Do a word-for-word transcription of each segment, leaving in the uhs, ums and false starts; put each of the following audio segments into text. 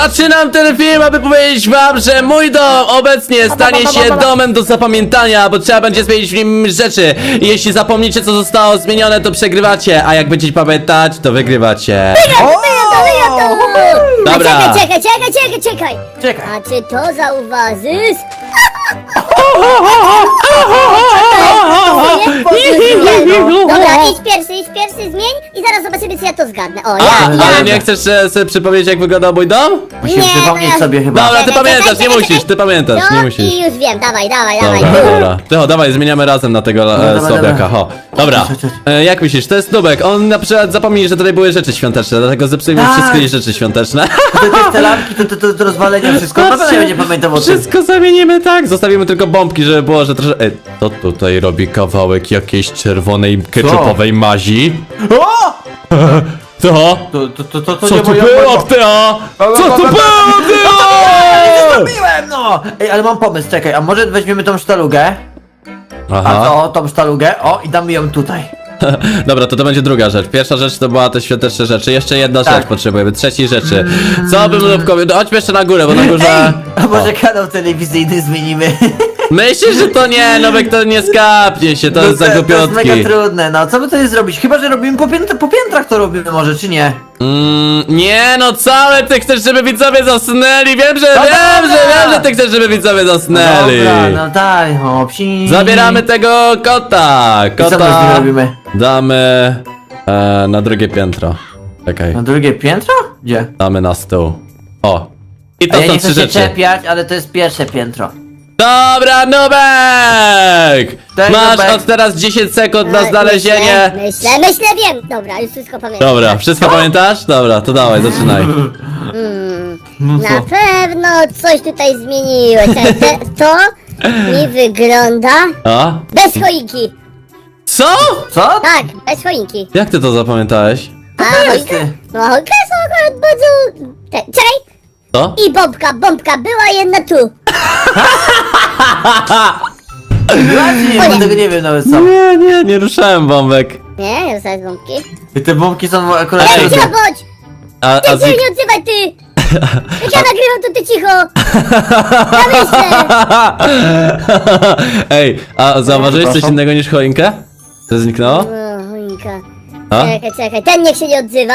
Zaczynam ten film, aby powiedzieć wam, że mój dom obecnie stanie się domem do zapamiętania, bo trzeba będzie zmienić w nim rzeczy. I jeśli zapomnicie, co zostało zmienione, to przegrywacie, a jak będziecie pamiętać, to wygrywacie. Dobra. A czekaj, czekaj, czekaj, czekaj, czekaj. Czekaj. A czy to zauważysz? Dobra, idź pierwszy, idź pierwszy, zmień i zaraz zobaczymy, czy ja to zgadnę. O, A, ja, ale ja. nie chcesz e, sobie przypomnieć, jak wyglądał mój dom? Musimy Nie, przypomnieć no ja- sobie chyba. Dobra, ty Czekaj, pamiętasz, czekaj, nie czekaj, musisz, ty pamiętasz, nie No musisz. i już wiem, dawaj, dawaj, Dobra, dawaj. dobra. Tycho, dawaj, zmieniamy razem na tego e, dobra, słabiaka, dobra. ho. Dobra, Chodź, chodź, chodź. e, jak myślisz, to jest Nubek, on na przykład zapomni, że tutaj były rzeczy świąteczne, dlatego zepsujmy Tak. wszystkie rzeczy świąteczne. To, to, te lampki, to, to, to, to rozwalenia, wszystko. Na pewno nie będzie pamiętał o tym. Wszystko zamienimy tak, zostawimy tylko bombki, żeby było, że troszkę... Ej, to tutaj robi kawałek jakiejś czerwonej, ketchupowej mazi. O! To? To, to, to, to, to Co nie tu moja było, moja- Teo? Co tu było, Teo? Zrobiłem, no! Ej, ale mam pomysł, czekaj, a może weźmiemy tą sztalugę? A Aha. to, tą sztalugę, o, i damy ją tutaj. Dobra, to to będzie druga rzecz. Pierwsza rzecz to była te świąteczne rzeczy. Jeszcze jedna Tak. rzecz potrzebujemy. Trzeciej rzeczy. Co bym lubkowie... No, chodźmy jeszcze na górę, bo na górze... A może kanał telewizyjny zmienimy? Myślisz, że to nie, Nowek to nie skapnie się, to jest za to jest głupiotki. mega trudne, no co by to jest zrobić? Chyba, że robimy po, pięt po piętrach to robimy może, czy nie? Mm, nie no, całe ty chcesz, żeby widzowie zasnęli. Wiem, że No wiem, dobra. że wiem, że ty chcesz, żeby widzowie zasnęli. Dobra, no daj, o, psi. Zabieramy tego kota. I co my z nim Kota robimy? damy e, na drugie piętro. Czekaj, Na drugie piętro? Gdzie? damy na stół. O. I A to ja są nie trzy chcę się rzeczy. czepiać, ale to jest pierwsze piętro. Dobra, Nubek! Daj, Masz Nubek. od teraz dziesięć sekund na E, znalezienie. Myślę, myślę, myślę, wiem. Dobra, już wszystko pamiętam. Dobra, wszystko pamiętasz? Dobra, to dawaj, zaczynaj. No Na pewno coś tutaj zmieniłeś. ale Te, to mi wygląda A? bez choinki. Co? Co? Tak, bez choinki. Jak ty to zapamiętałeś? A to jest choinka? ty? No choinka jest akurat bardzo... Te, czekaj! Co? I bombka, bombka, była jedna tu. Właśnie, O bo nie. tego nie wiem nawet co. Nie, nie, nie ruszałem bombek. Nie, nie dostałeś bombki. I te bombki są akurat... Ej, trudne. cicho bądź! A, Ty a się zik... nie odzywaj, ty! Jak ja nagrywam, to ty cicho! Ja myślę! Ej, a zauważyłeś coś Przepraszam. innego niż choinkę? Co zniknęło? O, choinka. A? Czekaj, czekaj, ten niech się nie odzywa.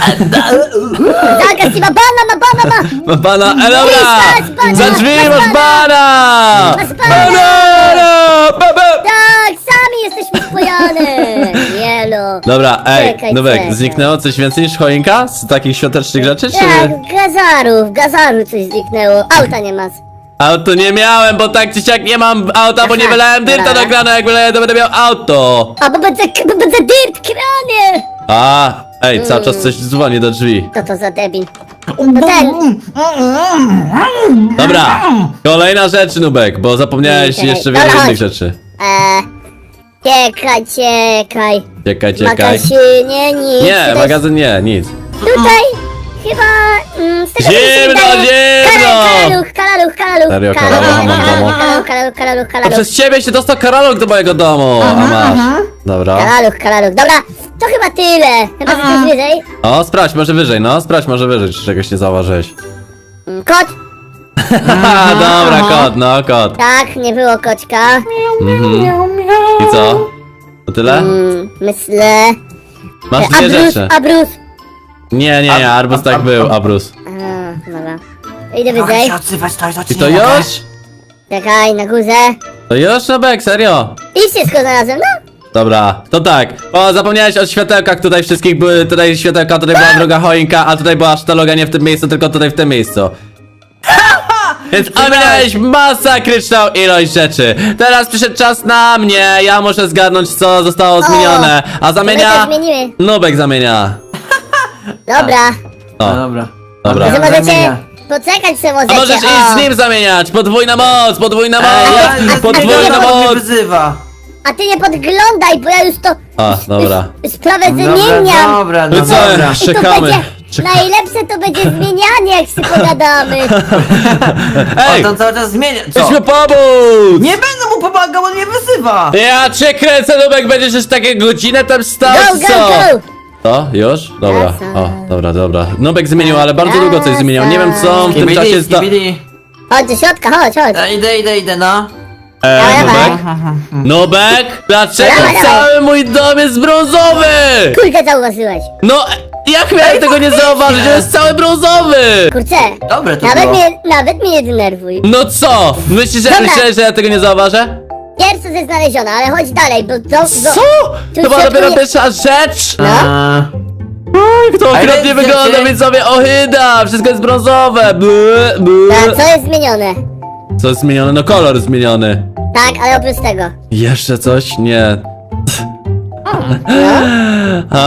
Zagas, ma bana, ma bana, ma! Ma pana, e dobra! Masz bana, Za drzwi masz masz bana! Masz bana! Banana! Ba, ba. Tak, sami jesteśmy spojane! Jelo. Dobra, ej, Czekaj, Nubek, czekaj. zniknęło coś więcej niż choinka? Z takich świątecznych rzeczy, czy... Tak, gazaru, w gazaru coś zniknęło. Auta nie ma. Auto nie miałem, bo tak czy siak nie mam auta, bo nie Aha, wylałem dyrta dobra. do grana, jak wyleję, to będę miał auto. A bo będę, bo będę dyrt, kranie! A, ej, cały Mm. czas coś dzwoni do drzwi. Co to za debil? No ten! Dobra, kolejna rzecz, Nubek, bo zapomniałeś Czekaj, jeszcze dobra, wiele innych chodź. rzeczy. Eee, czekaj, czekaj. Czekaj, W czekaj. magazynie nic. Nie, Tutaj- magazyn nie, nic. Tutaj chyba... Mm, z tego co mi się Zimno, wydaje- zimno! Karaluch, karaluch, karaluch. Serio, karaluch, karaluch, mam karaluch, domu? karaluch, karaluch, karaluch, To karaluch. przez ciebie się dostał karalok do mojego domu, a masz. Dobra. Karaluch, karaluch. Dobra, to chyba tyle. Chyba że coś wyżej. O, sprawdź, może wyżej, no, sprawdź, może wyżej, czy czegoś nie zauważyłeś. Mm, Kot? Haha, dobra, kot, no, kot. Tak, nie było koćka. I co? To tyle? Mm, myślę... Masz dwie Abrus, rzeczy. abrus. Nie, nie, nie, Arbus tak był, Abrus. A, dobra. Idę Mogę wyżej. się odzywać, to, to I ci to nie mogę. już? Czekaj, na górze. To już, Nubek, serio? I wszystko znalazłem, no. Dobra, to tak. O, zapomniałeś o światełkach, tutaj wszystkich były, tutaj światełka, tutaj była druga choinka, a tutaj była sztaloga nie w tym miejscu, tylko tutaj w tym miejscu. Więc ominąłeś masakryczną ilość rzeczy. Teraz przyszedł czas na mnie, ja muszę zgadnąć, co zostało zmienione. A My zamienia... to zmienimy. Nubek zamienia. Dobra. No O, dobra. dobra. Że Ja możecie zamienia. poczekać, że A możecie. możesz o. iść z nim zamieniać! Podwójna moc! Podwójna Ej, ja, moc! ja, Podwójna mnie moc! wyzywa. A ty nie podglądaj, bo ja już to... A, dobra. Już sprawę Dobra, zmieniam. dobra, no No co? dobra. I to Czekamy. będzie... Czekamy. Najlepsze to będzie zmienianie, jak się pogadamy. Ej! On tam cały czas zmienia. Co? Chcesz mi pomóc! Nie będę mu pomagał, on mnie wyzywa. Ja cię kręcę, Nubek, będziesz już takie godzinę tam stał, Go, czy go, co? go! To? Już? Dobra. Jasne. O, dobra, dobra. Nubek zmienił, ale bardzo długo coś zmienił. Nie wiem co on w tym Skibidi, czasie sta... skibidi. Chodź do środka, chodź, chodź. E, Idę, idę, idę, no. E, Dawaj, Nubek? dawaj. Nubek? Dlaczego Dawaj, dawaj. cały mój dom jest brązowy? Kurczę, zauważyłeś. No, jak miałem tego nie zauważyć? To jest cały brązowy! Kurczę. Dobre to Nawet było. mnie, nawet mnie nie denerwuj. No co? Myślisz, że, Dobra. myślałeś, że ja tego nie zauważę? Pierwsze ze znalezione, ale chodź dalej, bo to... Co? tu To była się dopiero nie- pierwsza rzecz? No. Eee, Oj, to okropnie jest wygląda, zdjęcie? widzowie, ohyda! Wszystko jest brązowe! Bły, bły. A co jest zmienione? Co jest zmienione? No kolor zmieniony. Tak, ale oprócz tego. Jeszcze coś? Nie. A,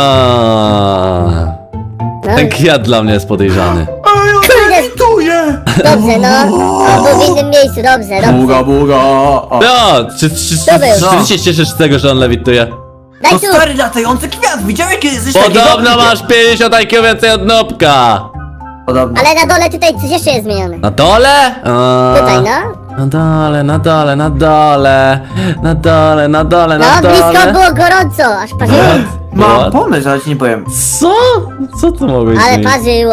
No, ten kwiat dla mnie jest podejrzany. kurde, Tuję! dobrze, no. On był w innym miejscu, dobrze, dobrze. Buga, buga. O. No, czy, czy, czy, czy, To był. czy ty się cieszysz z tego, że on lewituje? Daj To tu. stary latający kwiat, widziałeś kiedyś coś takiego? Podobno masz pięćdziesiąt I Q więcej od Nopka. Podobno. Ale na dole tutaj coś jeszcze jest zmienione. Na dole? A, Tutaj, no. Na dole, na dole, na dole. Na dole, na dole, na No, dole. blisko było gorąco, aż parzyło. Mam What? pomysł, ale ci nie powiem. Co? Co to mogłeś Ale zmienić? parzyło.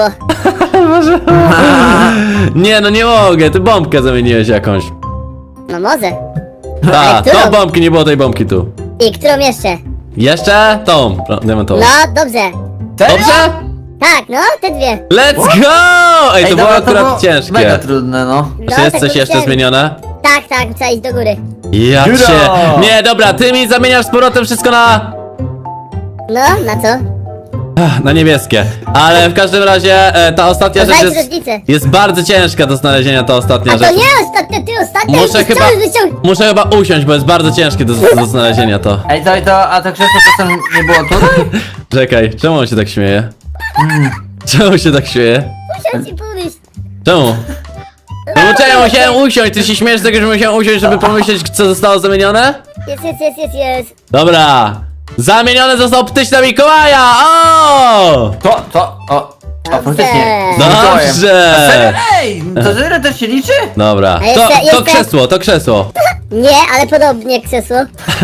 Nie, no nie mogę, ty bombkę zamieniłeś jakąś. No może. Ta, którą? tą bombki, nie było tej bombki tu. I którą jeszcze? Jeszcze? Tą, pro- diamentową. No, dobrze. Serio? Dobrze? Tak, no, te dwie. Let's go! Ej, to było dobra, akurat było ciężkie. Mega trudne, no. No, Czy jest tak coś jeszcze powiedziałem. zmienione? Tak, tak, trzeba iść do góry. Ja Dziura! cię... Nie, dobra, ty mi zamieniasz z powrotem wszystko na... No, na co? Ach, na niebieskie. Ale w każdym razie e, ta ostatnia To rzecz znajdź jest... różnicę. Jest bardzo ciężka do znalezienia, ta ostatnia A to rzecz. nie ostatnia, ty ostatnia. Muszę już chyba... chciałeś wyciągnąć. Muszę chyba usiąść, bo jest bardzo ciężkie do, do znalezienia to. Ej, to, to, a to krzesło czasem nie było tutaj? Czekaj, czemu on się tak śmieje? Czemu się tak śmieje? Muszę ci pomyśleć. Czemu? No bo czemu musiałem usiąść? Ty się śmiesz z tego, że musiałem usiąść, żeby pomyśleć, co zostało zamienione? Jest, jest, jest, jest, jest. Dobra. Zamieniony został ptyś na Mikołaja! O! To, to, o. O, faktycznie. Dobrze. Mikołajem. Dobrze! Serio? Ej, to zero też się liczy? Dobra. A To, jeszcze- to jeszcze- krzesło, to krzesło. Nie, ale podobnie krzesło.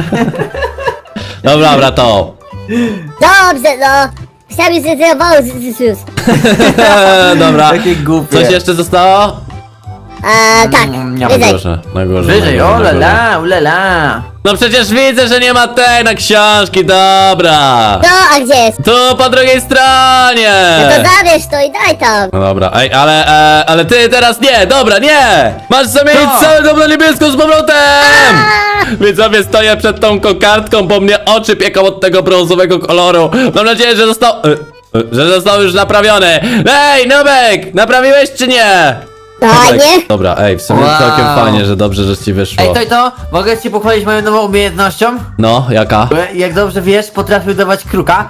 Dobra, dobra, to. Dobrze, no. Chciałem już zrezerwował z, z, z, z. Dobra. Takie głupie. Coś jeszcze zostało? A, tak, Mm, nie Na wyżej. górze, na górze. Wyżej, na o górze, la na górze. la, u la la. No przecież widzę, że nie ma tej na książki, dobra. No, a gdzie jest? Tu po drugiej stronie. No to zabierz to i daj tam. No dobra, ej, ale, e, ale ty teraz nie, dobra, nie! Masz zamienić Co? cały dom na niebieską z powrotem! Widzowie, stoję przed tą kokardką, bo mnie oczy pieką od tego brązowego koloru. Mam nadzieję, że został... E, e, że został już naprawiony. Ej, Nubek, naprawiłeś czy nie? Fajnie. Dobra, ej, w sumie Wow. całkiem fajnie, że dobrze, że ci wyszło. Ej, to i to, mogę ci pochwalić moją nową umiejętnością? No, jaka? Bo jak dobrze wiesz, potrafię dawać kruka,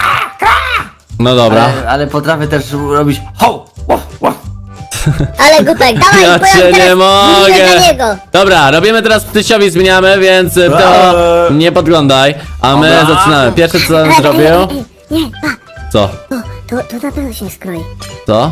No dobra. ale, ale potrafię też robić ho, wow, wow. Ale głupek, dawaj, Ja bo ja cię teraz nie mogę. mówię dla niego. Dobra, robimy teraz ptysiowi, zmieniamy, więc y, to Eee. nie podglądaj. A my Dobra. zaczynamy. Pierwsze co Ej, bym ej, zrobił... ej, ej, Nie, pa, Co? to, to na pewno się nie skroi. Co?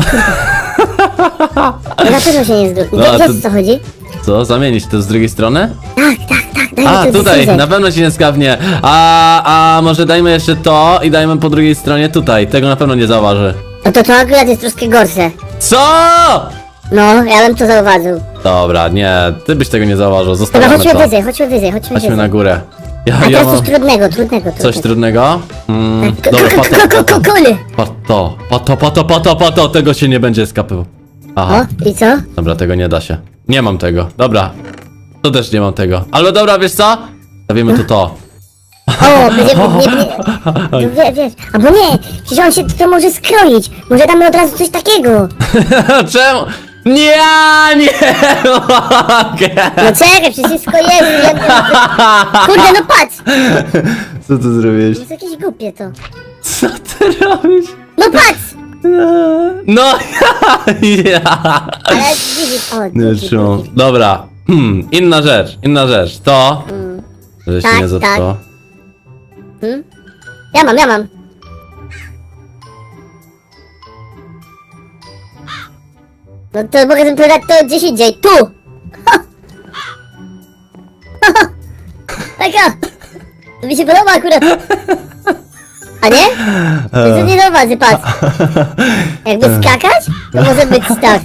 To na pewno się nie zgroi. No, No, to- to... co chodzi? Co? Zamienić to z drugiej strony? Tak, tak, tak, daj A, mi to tutaj, decyzję. na pewno się nie skawnie. A, a może dajmy jeszcze to i dajmy po drugiej stronie tutaj. Tego na pewno nie zauważy. No to to akurat jest troszkę gorsze. Co? No, ja bym to zauważył. Dobra, nie, ty byś tego nie zauważył. Dobra, Zostawiamy chodźmy to. wyżej, chodźmy wyżej, chodźmy Chodźmy wyżej. na górę. Ja, A ja teraz mam coś trudnego, trudnego, coś trudnego. trudnego? Mm, Ko- dobra, ko- po ko- to, ko- po to. ko- Kuli! Po to, po to, po to, po to, po to, tego się nie będzie skapywał. Aha, O, i co? dobra, tego nie da się. Nie mam tego, dobra. To też nie mam tego. Ale dobra, wiesz co? Stawimy tu to. O, będzie, nie, nie, no, wie, wiesz, albo nie, przecież on się to może skroić, może damy od razu coś takiego. Czemu? Nie, nie mogę. No czekaj, przecież wszystko jest, ja, kurde, no patrz, Co ty zrobiłeś? jest jakieś głupie to. Co ty robisz? No patrz, No ja, ja. ale widzisz, o, Nie drugi, trzymam. drugi. Dobra, hmm, inna rzecz, inna rzecz. To, że się Tak, nie zatkło. Hmm? Ja mam, ja mam. No to mogę wybrać to gdzieś indziej, tu! Taka! To mi się podoba akurat. A nie? To jest nie zauważy, patrz. Jakby skakać, to może być tak.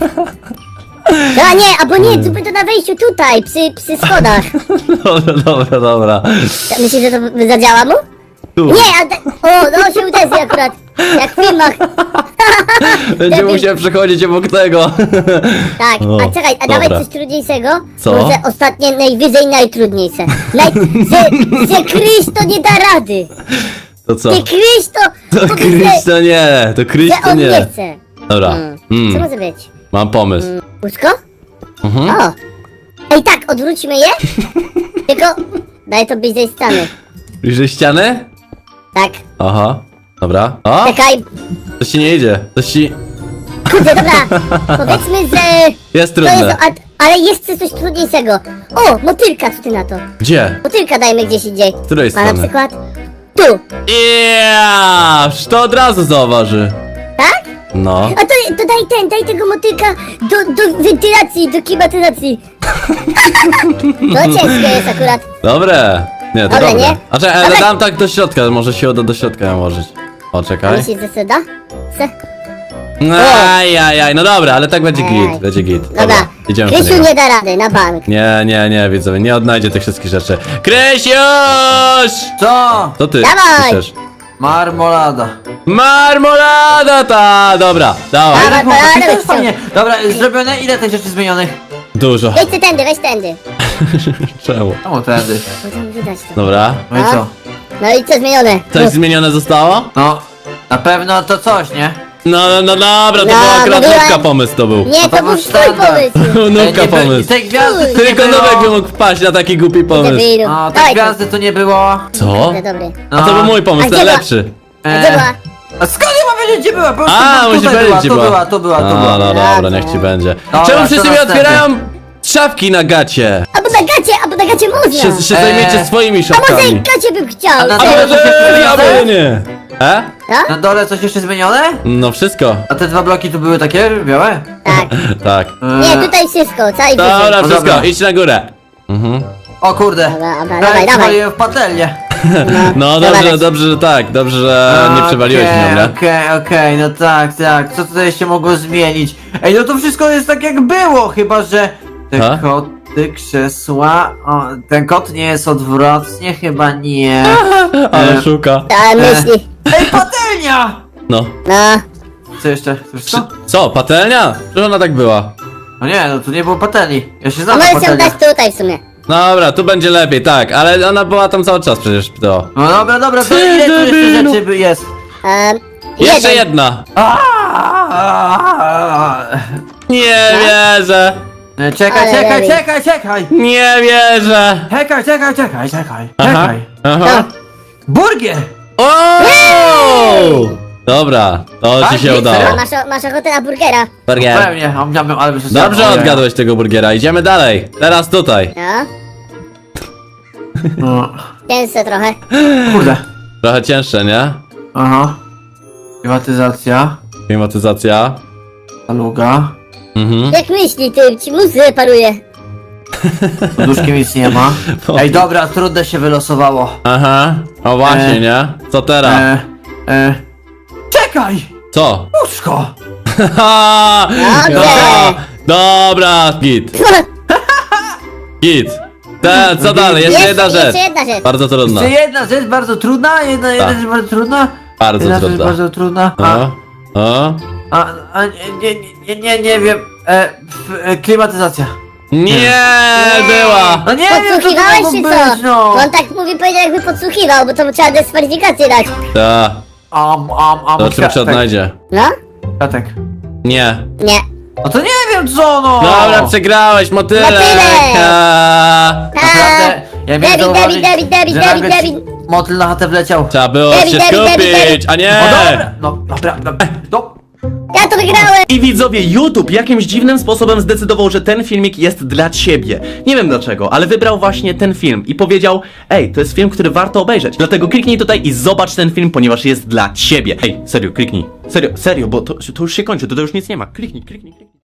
No a nie, albo nie, zróbmy to na wejściu tutaj, przy, przy schodach. Dobra, dobra, dobra. Myślisz, że to zadziała mu? Tu. Nie, a te... O, no się uderzy akurat. Jak w filmach. Będzie Debil. musiał przechodzić obok tego. Tak, O, a czekaj, a dobra. dawaj coś trudniejszego. Co? Może ostatnie, najwyżej najtrudniejsze. Naj... Że, że Kryś to nie da rady. To co? Ty Kryś to... To powiedz, Kryś to nie, to Kryś że to on nie nie. chce. Dobra, Mm. Co mm, może być? mam pomysł. Łóżko? Mhm. O! Ej, tak, odwróćmy je. Tylko daj to bliżej ściany. Bliżej ściany? Tak. Aha, dobra. O, Czekaj. to ci nie idzie, to ci... Kurde, dobra. Powiedzmy, że... Jest To jest... trudne. A, ale jeszcze coś trudniejszego. O, motylka, co ty na to? Gdzie? Motylka dajmy gdzieś indziej. Z której A na strony? przykład... Tu. Yeah! To od razu zauważy. Tak? No. A to, to daj ten, daj tego motylka do, do wentylacji, do klimatyzacji. To ciężkie jest akurat. Dobre. Nie, to Dobre, dobre. nie? A czekaj, ale Dobre. dam tak do środka, może się uda do środka nałożyć. O, czekaj. Myślisz, że se da? Se? Ajajaj, no dobra, ale tak będzie Ajaj. git, będzie git. Dobra. idziemy po Krysiu niego. nie da rady, na bank. Nie, nie, nie, widzowie, nie odnajdzie tych wszystkich rzeczy. Krysiusz! Co? To ty, Dawaj! piszesz. Marmolada. Marmolada ta! Dobra, dawaj. Dawaj. Tak, bo to ale jest fajnie. Dobra, zrobione? Ile tych rzeczy zmienionych? Dużo. Weź ty tędy, weź tędy. Czemu? O, tędy. Bo tam widać to. Dobra. No i A? co? No i co zmienione? Coś zmienione zostało? No, na pewno to coś, nie? No, no, no dobra, to No, był akurat mówiłem- nówka pomysł to był. Nie, to to był był twój standard. pomysł. Ej, Nówka nie by- pomysł. Tej gwiazdy tu nie Tylko było. Nówek by mógł wpaść na taki głupi pomysł. Debilu. O, tej Dawaj to. gwiazdy tu nie było. Co? Dobry, dobry. A to był mój A pomysł, gdzie najlepszy. A gdzie była? A skąd ja mam wiedzieć, gdzie była? Po prostu A, tu musisz tutaj powiedzieć, była, gdzie tu była. była, tu była, tu No, była. no dobra, Dobra. niech ci będzie. Dobra, Czemu co wszyscy mi następny? otwierają szafki na gacie? Albo na gacie, albo na gacie można. Się, się Eee. zajmiecie swoimi A może szafkami. gacie bym chciał. A na A dole może, coś jeszcze a zmienione? może nie? E? No? Na dole coś jeszcze zmienione? No wszystko. A te dwa bloki tu były takie białe? Tak. Tak. Nie, Eee, tutaj wszystko, cały Dobra, wyżej. No wszystko, dobra. idź na górę. Mhm. O kurde. Dobra, dobra, Prawie dawaj, dawaj. przywaliłem w patelnię. No Dobra, dobrze, leć. dobrze, że tak, dobrze, że nie przewaliłeś Okej, nią, nie? Okej, okej, no tak, tak. Co tutaj się mogło zmienić? Ej, no to wszystko jest tak jak było, chyba że te Ha? koty, krzesła. O, ten kot nie jest odwrotnie, chyba nie. Ale Eee. szuka. Ta myśli. Ej, patelnia! No. No. Co jeszcze? To Czy, wszystko? co, patelnia? Czy ona tak była? No nie, no tu nie było patelni. Ja się A znam na możesz ją patelniach. dać tutaj w sumie. Dobra, tu będzie lepiej, tak, ale ona była tam cały czas przecież, to. No dobra, dobra, to ile tu jeszcze debilu. rzeczy by- jest? Um, Jeszcze jedna! Aaaa! Nie wierzę! E, Czekaj, Ale czekaj, lepiej. czekaj, czekaj! Nie wierzę! Czekaj, czekaj, czekaj, czekaj, Aha, czekaj. aha. Burgier! O! Dobra, to Tak, ci się nie, udało. serio? A masz, o- masz ochotę na burgera? Burger. Pewnie, a miałbym, ale by się Dobrze stało. odgadłeś tego burgera, idziemy dalej. Teraz tutaj. No. No, Cięższe trochę. kurde. Trochę cięższe, nie? Aha. Klimatyzacja. Klimatyzacja. Paluga. Mhm. Jak myśli, ty ci mózg reparuje. Poduszki nic nie ma. Ej, dobra, trudne się wylosowało. Aha. O właśnie, E. nie? Co teraz? E, e. Czekaj! Co? Łóżko! Haha! Dobrze. Dobra, git. Git. Te, co dalej? Jeszcze Jest- jedna rzecz. Jeszcze jedna rzecz. Bardzo trudna. Jeszcze jedna rzecz bardzo trudna, jedna, jedna Tak. rzecz bardzo trudna. Bardzo jedna trudna. rzecz bardzo trudna. A, O, o. a, a nie, nie, nie, nie, nie wiem. E, f, e, klimatyzacja. Nie była! No nie wiem, co to Podsłuchiwałeś mogło czy być, co? no. On tak mówi, powiedział jakby podsłuchiwał, bo to trzeba dyskwalifikację dać. Ta, Am, am, am, to czym się kwiatek, odnajdzie? No? kwiatek. Nie. Nie. No to nie wiem co, no! Dobra, przegrałeś, motylek! Motylek! Ha. Naprawdę, ja miałem David, zauważyć, David, David, że David, nagle David. ci motyl na chatę wleciał. Trzeba było David, się David, David, skupić, David. a nie! No dobra, no dobra, dobra, no. Ja to wygrałem! I widzowie, YouTube jakimś dziwnym sposobem zdecydował, że ten filmik jest dla ciebie. Nie wiem dlaczego, ale wybrał właśnie ten film i powiedział: ej, to jest film, który warto obejrzeć. Dlatego kliknij tutaj i zobacz ten film, ponieważ jest dla ciebie. Ej, serio, kliknij. Serio, serio, bo to, to już się kończy, to, to już nic nie ma. Kliknij, kliknij, kliknij.